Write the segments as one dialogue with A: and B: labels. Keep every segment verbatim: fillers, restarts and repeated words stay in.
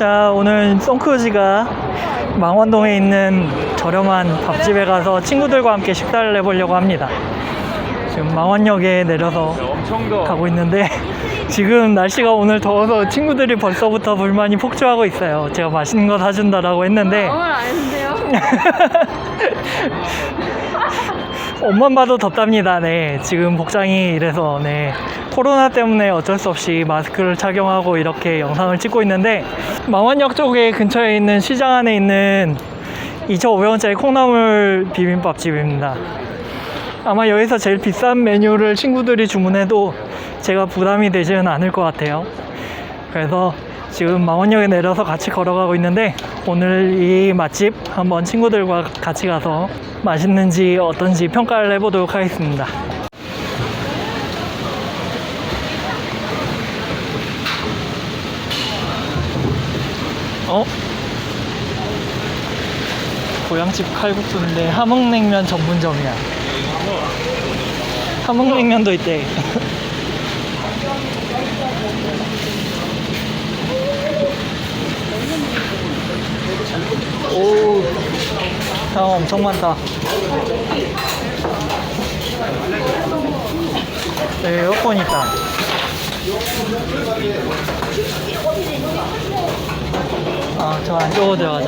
A: 자, 오늘 송크루지가 망원동에 있는 저렴한 밥집에 가서 친구들과 함께 식사를 해보려고 합니다. 지금 망원역에 내려서 가고 있는데 지금 날씨가 오늘 더워서 친구들이 벌써부터 불만이 폭주하고 있어요. 제가 맛있는 거 사준다라고 했는데
B: 오늘 안 했는데요.
A: 옷만 봐도 덥답니다. 네, 지금 복장이 이래서 네, 코로나 때문에 어쩔 수 없이 마스크를 착용하고 이렇게 영상을 찍고 있는데 망원역 쪽에 근처에 있는 시장 안에 있는 이천오백 원짜리 콩나물 비빔밥집입니다. 아마 여기서 제일 비싼 메뉴를 친구들이 주문해도 제가 부담이 되지는 않을 것 같아요. 그래서 지금 망원역에 내려서 같이 걸어가고 있는데 오늘 이 맛집 한번 친구들과 같이 가서 맛있는지 어떤지 평가를 해보도록 하겠습니다. 어? 고향집 칼국수인데 함흥냉면 전문점이야. 함흥냉면도 있대. 오, 사람 엄청 많다. 네, 에어컨 있다. 아, 저 안쪽으로 들어가자.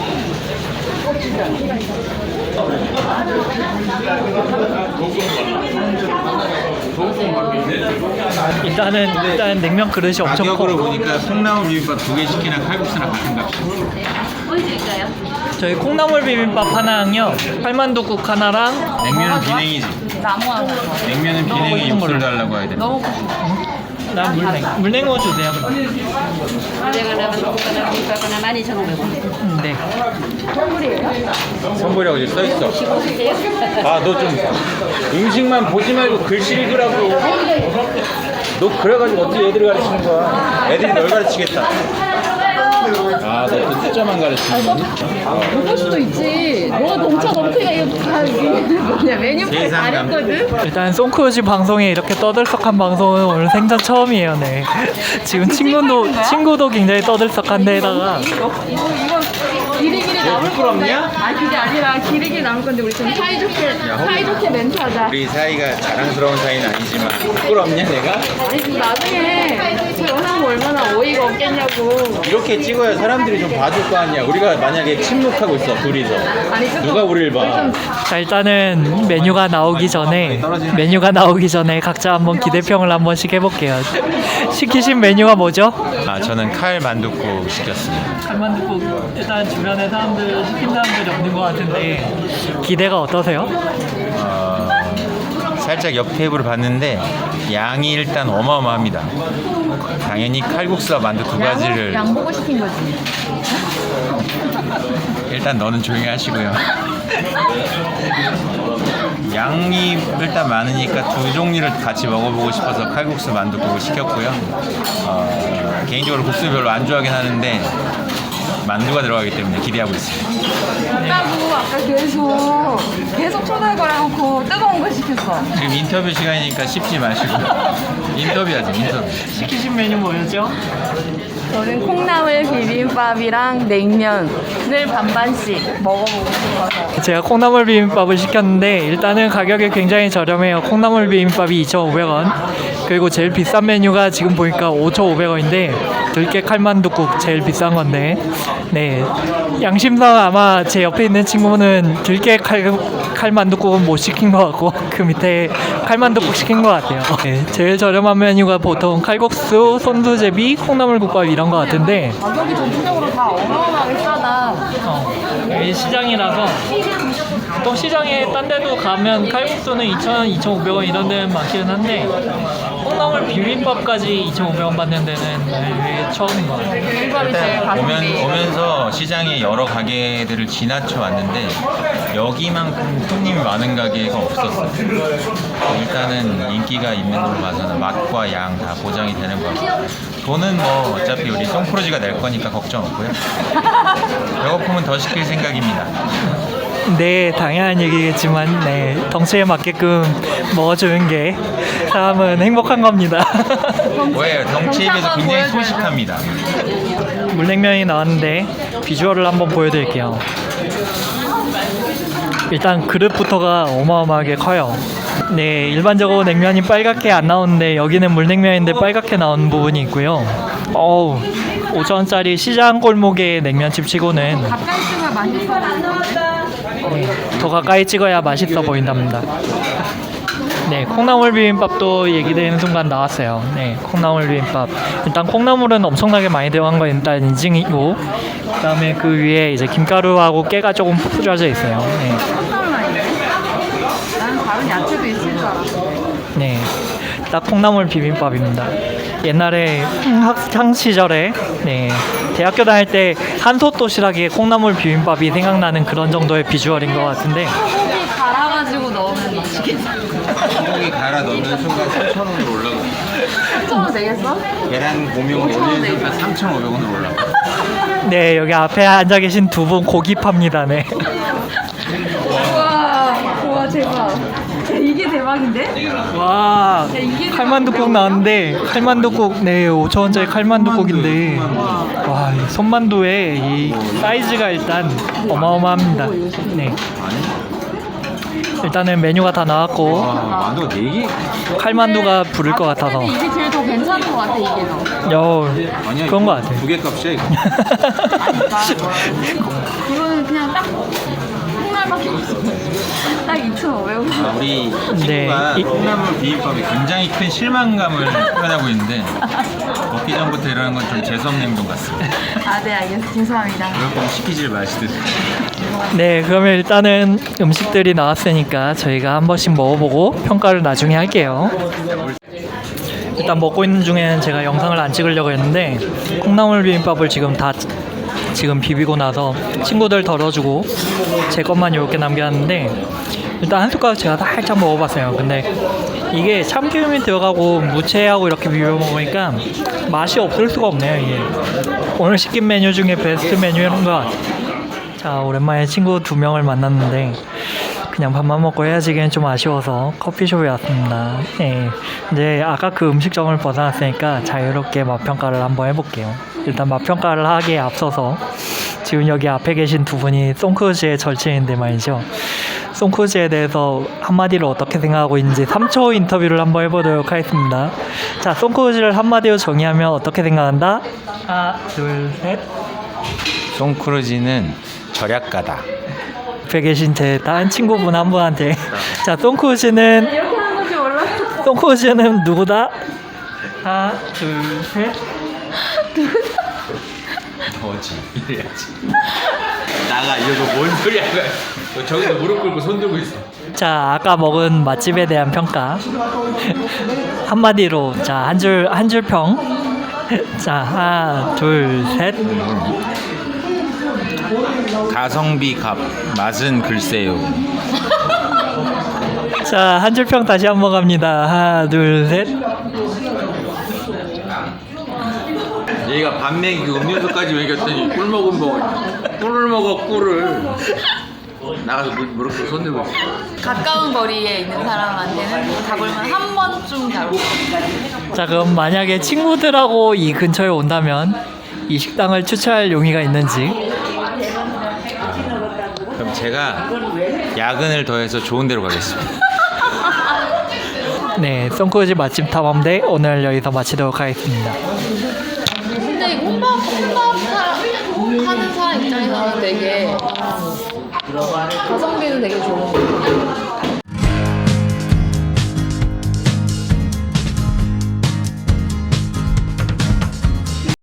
A: 일단은 일단 냉면 그릇이 엄청 커.
C: 가격으로 보니까 콩나물 비빔밥 두 개 시키나 칼국수나 같은 값이에요.
B: 보여드릴까요?
A: 저희 콩나물 비빔밥 하나랑요, 팔만두국 하나랑
C: 냉면은 비냉이지.
B: 나무 하나.
C: 냉면은 비냉에 육수를 달라고 해야 돼.
B: 너무 고소해.
A: 난 물냉 물냉어 주세요.
B: 내가 나가는 국가나 국가나 만 이천오백 원.
A: 음, 네.
C: 선물이라고 이제 써있어. 아, 너 좀 음식만 보지 말고 글씨 읽으라고. 너 그래가지고 어떻게 애들을 가르치는 거야? 애들이 널 가르치겠다. 아, 너 그 숫자만 가르치는 거니?
B: 볼 수도 있지. 너가 넘쳐 넘치가 이거 다 뭐냐 메뉴판 다 했거든.
A: 일단 송크루지 방송에 이렇게 떠들썩한 방송은 오늘 생전 처음이에요. 네. 지금 친구도 친구도 굉장히 떠들썩한데다가
B: 이거 이거 이거 길이길이 남을 건데. 아 그게 아니라 길이길이 남을 건데 우리 좀 사이좋게 사이좋게 멘트하자.
C: 우리 사이가 자랑스러운 사이는 아니지만 부끄럽냐 내가?
B: 아니 나중에 저 영상 보면 얼마나 어이가 없겠냐고.
C: 이렇게 찍어야 사람들이 좀 봐줄 거 아니야. 우리가 만약에 침묵하고 있어 둘이서
B: 아니 조금
C: 누가 우리를 봐?
A: 자, 일단은 메뉴가 나오기 전에 메뉴가 나오기 전에 각자 한번 기대평을 한 번씩 해볼게요. 시키신 메뉴가 뭐죠?
C: 아, 저는 칼 만둣국 시켰습니다.
A: 칼만둣국. 일단 주변에 사람들 시킨 사람들이 없는 것 같은데 기대가 어떠세요?
C: 어, 살짝 옆 테이블을 봤는데 양이 일단 어마어마합니다. 당연히 칼국수와 만두 두 가지를
B: 양 보고 시킨 거지.
C: 일단 너는 조용히 하시고요. 양이 일단 많으니까 두 종류를 같이 먹어보고 싶어서 칼국수 만두국을 시켰고요. 어, 개인적으로 국수 별로 안 좋아하긴 하는데 만두가 들어가기 때문에 기대하고 있습니다.
B: 없다고 아까 계속 계속 초달 걸어놓고 뜨거운 거 시켰어.
C: 지금 인터뷰 시간이니까 씹지 마시고 인터뷰하지 인터뷰.
A: 시키신 메뉴 뭐였죠?
B: 저는 콩나물 비빔밥이랑 냉면을 반반씩 먹어보고 싶어서.
A: 제가 콩나물 비빔밥을 시켰는데 일단은 가격이 굉장히 저렴해요. 콩나물 비빔밥이 이천오백 원, 그리고 제일 비싼 메뉴가 지금 보니까 오천오백 원인데 들깨 칼만둣국 제일 비싼 건데, 네, 양심상 아마 제 옆에 있는 친구는 들깨 칼, 칼만둣국은 못 시킨 것 같고 그 밑에 칼만둣국 시킨 것 같아요. 네, 제일 저렴한 메뉴가 보통 칼국수, 손두제비, 콩나물국밥 이런 것 같은데
B: 가격이 전체적으로 다 어마어마하게 싸다.
A: 어, 여기 시장이라서 보통 시장에 딴 데도 가면 칼국수는 이천 원, 이천오백 원 이런 데는 많기는 한데 콩나물 비빔밥까지 이천오백 원 받는 데는 이게 처음인 것 같아요.
B: 비빔밥이 제일 가성비.
C: 오면, 오면서 시장에 여러 가게들을 지나쳐 왔는데 여기만큼 손님이 많은 가게가 없었어요. 일단은 인기가 있는 걸로 봐서는 맛과 양 다 보장이 되는 것 같고 돈은 뭐 어차피 우리 송크루지가 낼 거니까 걱정 없고요. 배고프면 더 시킬 생각입니다.
A: 네, 당연한 얘기겠지만 네, 덩치에 맞게끔 먹어주는 게 사람은 행복한 겁니다.
C: 왜 덩치에 비해서 굉장히 소식합니다.
A: 물냉면이 나왔는데 비주얼을 한번 보여드릴게요. 일단 그릇부터가 어마어마하게 커요. 네, 일반적으로 냉면이 빨갛게 안 나오는데 여기는 물냉면인데 빨갛게 나오는 부분이 있고요. 어우, 오천 원짜리 시장 골목의 냉면집 치고는
B: 가까이 찍어야 맛있어 보이는데?
A: 네, 더 가까이 찍어야 맛있어 보인답니다. 네, 콩나물 비빔밥도 얘기되는 순간 나왔어요. 네, 콩나물 비빔밥. 일단 콩나물은 엄청나게 많이 들어간 건 일단 인증이고, 그다음에 그 위에 이제 김가루하고 깨가 조금 뿌려져 있어요. 네,
B: 깜짝 놀랐네. 나는 다른 야채도 있을 줄 알았어.
A: 네, 딱 콩나물 비빔밥입니다. 옛날에 학창 시절에 네, 대학교 다닐 때 한솥 도시락에 콩나물 비빔밥이 생각나는 그런 정도의 비주얼인 것 같은데.
B: 소고기 갈아가지고 넣으면 맛있겠다.
C: 소고기 갈아 넣는 순간 삼천 원으로 올라가.
B: 삼천 원 되겠어?
C: 계란 고명
B: 오천 원
C: 올리는 순간
B: 되겠어.
C: 삼천오백 원으로 올라가.
A: 네, 여기 앞에 앉아 계신 두 분 고기 팝니다. 네.
B: 우와, 우와 대박. 야, 이게 대박인데?
A: 와,
B: 야, 이게
A: 칼만두국 나왔는데 칼만두국 네 오천 원짜리 칼만두국인데 와, 이 손만두의 이 사이즈가 일단 어마어마합니다. 네, 일단은 메뉴가 다 나왔고
C: 와, 만두가 네 개?
A: 칼만두가 부를 것 같아서
B: 근데 이게 제일 더 괜찮은 것 같아, 이게 더.
A: 여
C: 아니야,
A: 그런
C: 이거
A: 것 같아.
C: 두 개 값이야 이거.
B: 그거는 그냥 딱 콩알밖에 없어. 딱 이천오백 원.
C: 아, 우리
A: 네,
C: 친구가
A: 이-
C: 콩나물 비빔밥에 굉장히 큰 실망감을 표현하고 있는데 먹기 전부터 이러는 건 좀 재수없는 행동 같습니다.
B: 아, 네, 알겠습니다. 죄송합니다.
C: 그럴 거면 시키질 마시듯.
A: 네, 그러면 일단은 음식들이 나왔으니까 저희가 한 번씩 먹어보고 평가를 나중에 할게요. 일단 먹고 있는 중에는 제가 영상을 안 찍으려고 했는데 콩나물 비빔밥을 지금 다 지금 비비고 나서 친구들 덜어주고 제 것만 이렇게 남겨놨는데 일단 한 숟가락 제가 살짝 먹어봤어요. 근데 이게 참기름이 들어가고 무채하고 이렇게 비벼 먹으니까 맛이 없을 수가 없네요. 이게 오늘 시킨 메뉴 중에 베스트 메뉴인 것 같아요. 자, 오랜만에 친구 두 명을 만났는데 그냥 밥만 먹고 헤어지기엔 좀 아쉬워서 커피숍에 왔습니다. 네, 이제 아까 그 음식점을 벗어났으니까 자유롭게 맛평가를 한번 해볼게요. 일단 맛평가를 하기에 앞서서 지금 여기 앞에 계신 두 분이 송크루즈의 절친인데 말이죠. 송크루즈에 대해서 한마디로 어떻게 생각하고 있는지 삼 초 인터뷰를 한번 해보도록 하겠습니다. 자, 송크루즈를 한마디로 정의하면 어떻게 생각한다? 하나, 둘, 셋.
C: 송크루즈는 절약가다.
A: 옆에 계신 제 다른 친구분 한 분한테 자, 송크루즈는
B: 이렇게 하는 건지 몰랐어.
A: 송크루즈는 누구다? 하나, 둘, 셋.
C: 너지 이래야지. 나가 이거 뭔 소리야? 너 저기서 무릎 꿇고 손 들고 있어.
A: 자, 아까 먹은 맛집에 대한 평가 한마디로 자, 한 줄 한 줄 평. 자, 하나, 둘, 셋.
C: 가성비 값 맛은 글쎄요.
A: 자, 한 줄 평 다시 한번 갑니다. 하나, 둘, 셋.
C: 얘가 밥 먹이고 음료수까지 먹였더니 꿀 먹은 거 꿀을 먹어 꿀을. 나가서 물 무릎 꿇고 손 들고 있어.
B: 가까운 거리에 있는 사람한테는 가볼만 한 번쯤 가고.
A: 자, 그럼 만약에 친구들하고 이 근처에 온다면 이 식당을 추천할 용의가 있는지.
C: 그럼 제가 야근을 더해서 좋은 데로 가겠습니다.
A: 네, 송크루즈 맛집 탐험대 오늘 여기서 마치도록 하겠습니다.
B: 근데 이 혼밥 혼밥 사- 하는 사람 입장에서는 되게 가성비는 되게 좋은 거 같아요.